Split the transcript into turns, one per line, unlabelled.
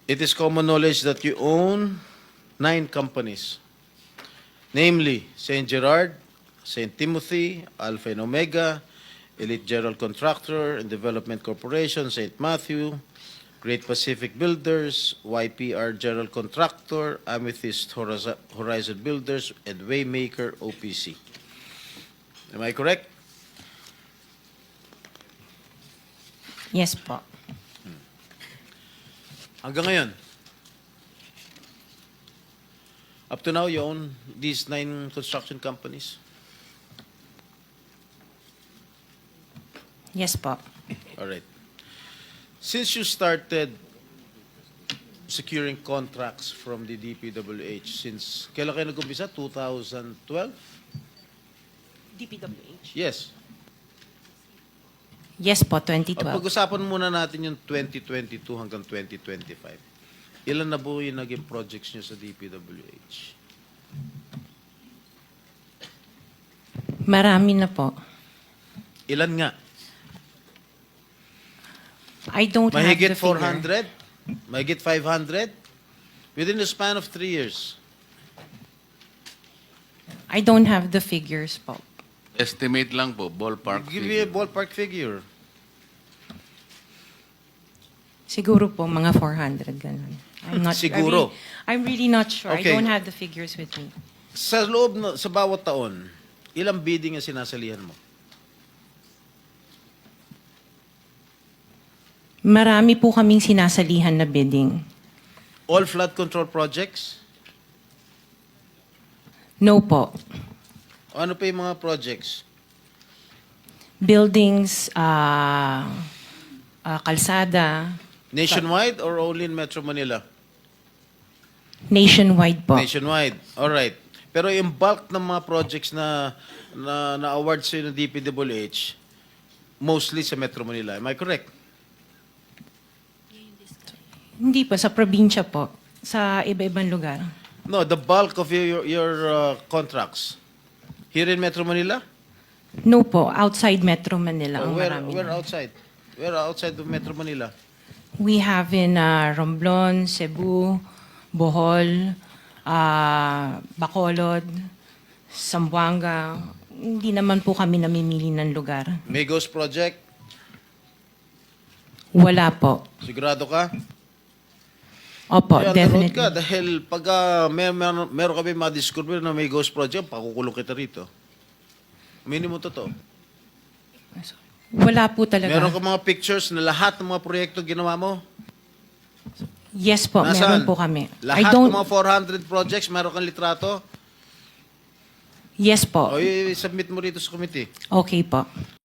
It is common knowledge that you own 9 companies, namely St. Gerard, St. Timothy, Alpha and Omega, Elite General Contractor and Development Corporation, St. Matthew, Great Pacific Builders, YPR General Contractor, Amethyst Horizon Builders, and Waymaker OPC. Am I correct?
Yes po.
Hanggang ngayon, up to now, you own these 9 construction companies?
Yes po.
All right. Since you started securing contracts from the DPWH, since kailan kayo nag-umpisa? 2012?
DPWH?
Yes.
Yes po, 2012.
Pag-usapan muna natin yung 2022 hanggang 2025. Ilan na po yung naging projects nyo sa DPWH?
Marami na po.
Ilan nga?
I don't
Mahigit
have the figure.
400? Mahigit 500? Within the span of 3 years.
I don't have the figures po.
Estimate lang po, ballpark
Give me a
figure.
ballpark figure.
Siguro po, mga 400, ganun. I'm not
Siguro.
I'm really not sure.
Okay.
I don't have the figures with me.
Sa loob, sa bawat taon, ilang bidding ang sinasalihan mo?
Marami po kaming sinasalihan na bidding.
All flood control projects?
No po.
Ano pa yung mga projects?
Buildings, kalsada,
Nationwide or only in Metro Manila?
nationwide po.
Nationwide. All right. Pero yung bulk ng mga projects na award sa ng DPWH, mostly sa Metro Manila. Am I correct?
Hindi po, sa probinsya po. Sa iba-ibang lugar.
No, the bulk of your contracts. Here in Metro Manila?
No po, outside Metro Manila ang marami.
Where outside? Where outside of Metro Manila?
We have in Romblon, Cebu, Bohol, Bacolod, Zamboanga. Hindi naman po kami namimili ng lugar.
Migos Project?
Wala po.
Sigurado ka?
Opo,
Kaya
definitely.
ka dahil pag meron kami ma-discover na may ghost project, pakukulong kita rito. Minimum totoo.
Wala po talaga.
Meron ka mga pictures na lahat ng mga proyekto ginawa mo?
Yes po,
Nasaan?
meron po kami.
Lahat ng mga 400 projects, meron kang litrato?
Yes po.
O i-submit mo rito sa committee.
Okay po.